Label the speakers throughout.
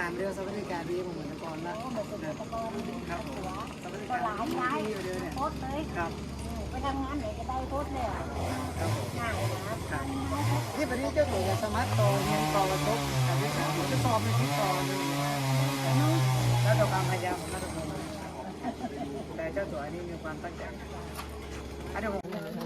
Speaker 1: การเรื่องสวัสดิการดีเหมือนแต่ก่อนนะครับสวัสดิการดีอยู่เดียวเนี่ย
Speaker 2: โพสเลย
Speaker 1: ครับ
Speaker 2: ไปทำงานไหนก็ได้โพสเลยง่ายนะครับ
Speaker 1: ที่ประเทศเจ้าตัวสมัครต่อเงินต่อระบบการศึกษาผมจะสอบในที่ต่อเลยแล้วต่อความพยายามของนักศึกษาแต่เจ้าตัวนี้มีความตั้งใจอันนี้ผม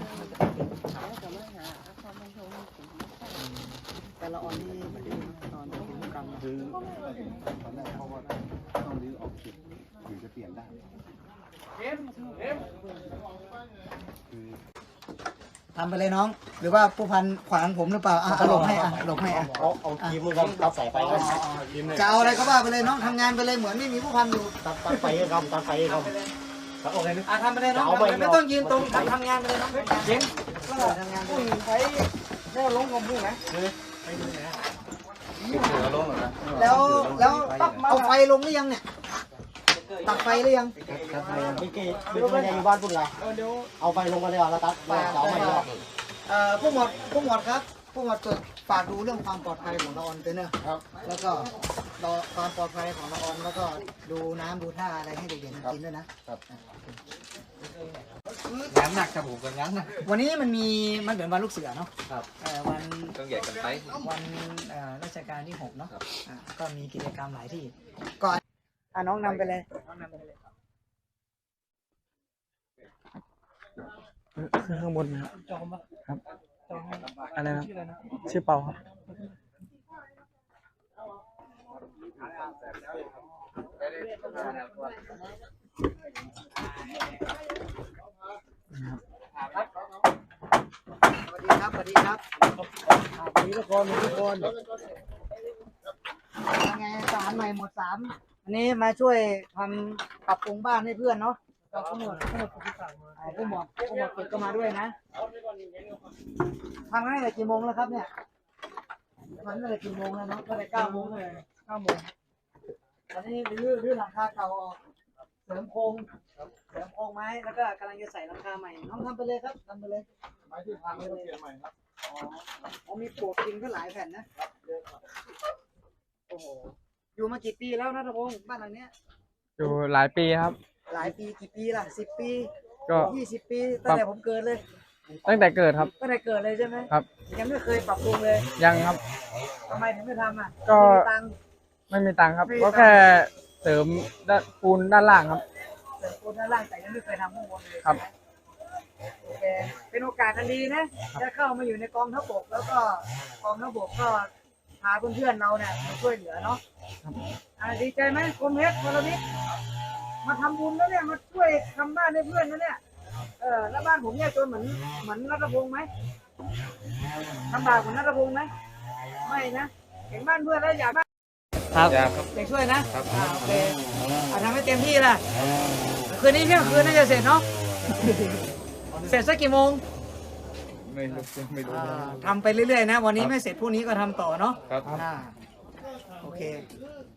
Speaker 1: แต่ละออนนี่ไม่ได้ตอนเป็นกรรม
Speaker 3: คือตอนแรกเพราะว่าต้องรื้อออกจุดถึงจะเปลี่ยนได้คือ
Speaker 1: ทำไปเลยน้อง หรือว่าผู้พันขวางผมหรือเปล่าหลบให้หลบให้
Speaker 4: เอาครีมมือครับตัดสายไฟครับ
Speaker 1: จะเอาอะไรก็ว่าไปเลยน้องทำงานไปเลยเหมือนไม่มีผู้พันอยู่
Speaker 4: ตัดไฟครับตัดไฟครับโอเคนึก
Speaker 1: ทำไปเลยน้องไม่ต้องยืนตรงทำงานไปเลยน้องเย็นก็ทำงานไปใช้แนวลงของมือนะแล้วเอาไฟลงหรือยังเนี่ยตัดไฟหรือยัง
Speaker 4: ไม่เกี่ยวไม่ได้อยู่บ้านพุ่นไรเอาไฟลงมาเลยแล้วตัดเอาไม่ยอม
Speaker 1: ผู้หมวดครับผู้หมวดฝากดูเรื่องความปลอดภัยของละออนเตอร์เนอร์แล้วก็ความปลอดภัยของละออนแล้วก็ดูน้ำดูท่าอะไรให้เด็กๆกินด้วยนะงานหนักครับผมกับงานหนักวันนี้มันเหมือนวันลูกเสือเนาะวันต้องใหญ่กันไปวันราชการที่6เนาะก็มีกิจกรรมหลายที่ก่อนน้องนำไปเลย
Speaker 5: คือข้างบนนะครับ
Speaker 1: จองปะ
Speaker 5: ครับ
Speaker 1: จองให้
Speaker 5: อะไรนะ
Speaker 1: ชื่ออะไรนะ
Speaker 5: ชื่อเปาครับนะครับ
Speaker 1: สวัสดีครับสวัสดีครับสวัสดีทุกคนยังไงสารใหม่หมด3อันนี้มาช่วยทำปรับปรุงบ้านให้เพื่อนเนาะผู้หมวดเก็บก็มาด้วยนะทำตั้งแต่กี่โมงแล้วครับเนี่ยทำตั้งแต่กี่โมงแล้วเนาะตั้งแต่9 โมงเลย9 โมงตอนนี้รื้อหลังคาเก่าออกเสริมโครงไม้แล้วก็กำลังจะใส่หลังคาใหม่น้องทำไปเลยครับทำไปเลยไม้ที่พังไม่ต้องเปลี่ยนใหม่ครับอ๋อมีปลวกกินก็หลายแผ่นนะโอ้โหอยู่มากี่ปีแล้วนะทพงศ์บ้านหลังเนี้ย
Speaker 5: อยู่หลายปีครับ
Speaker 1: หลายปีกี่ปีล่ะ10 ปี
Speaker 5: ก็
Speaker 1: 20 ปีตั้งแต่ผมเกิดเลย
Speaker 5: ตั้งแต่เกิดครับ
Speaker 1: ตั้งแต่เกิดเลยใช่ไหม
Speaker 5: ครับ
Speaker 1: ยังไม่เคยปรับปรุงเลย
Speaker 5: ยังครับ
Speaker 1: ทำไมถึงไม่ทำอ่ะ
Speaker 5: ก็
Speaker 1: ไม่มีตังค์
Speaker 5: ไม่มีตังค์ครับ
Speaker 1: ไม่มีตั
Speaker 5: ก็
Speaker 1: งค์
Speaker 5: แค่เสริมปูนด้านล่างครับ
Speaker 1: เสริมปูนด้านล่างแต่ยังไม่เคยทำข้างบนเลย
Speaker 5: ครับ
Speaker 1: โอเคเป็นโอกาสอันดีนะได้เข้ามาอยู่ในกองทัพบกแล้วก็กองทัพบกก็พาเพื่อนๆเราเนี่ยมาช่วยเหลือเนาะดีใจไหมคมเพชรพลวิทย์มาทำบุญแล้วเนี่ยมาช่วยทำบ้านให้เพื่อนนะเนี่ยแล้วบ้านผมเนี่ยจนเหมือนรัตพงษ์ไหมลำบากเหมือนรัตพงษ์ไหมไม่นะเห็นบ้านเพื่อนแล้วอยากบ้าน
Speaker 5: ครับ
Speaker 1: อยากช่วยนะโอเคทำให้เต็มที่ล่ะคืนนี้เที่ยงคืนน่าจะเสร็จเนาะเสร็จสักกี่โมง
Speaker 5: ไม่รู้
Speaker 1: ทำไปเรื่อยๆนะวันนี้ไม่เสร็จพรุ่งนี้ก็ทำต่อเนาะ
Speaker 5: ครับ
Speaker 1: โอเค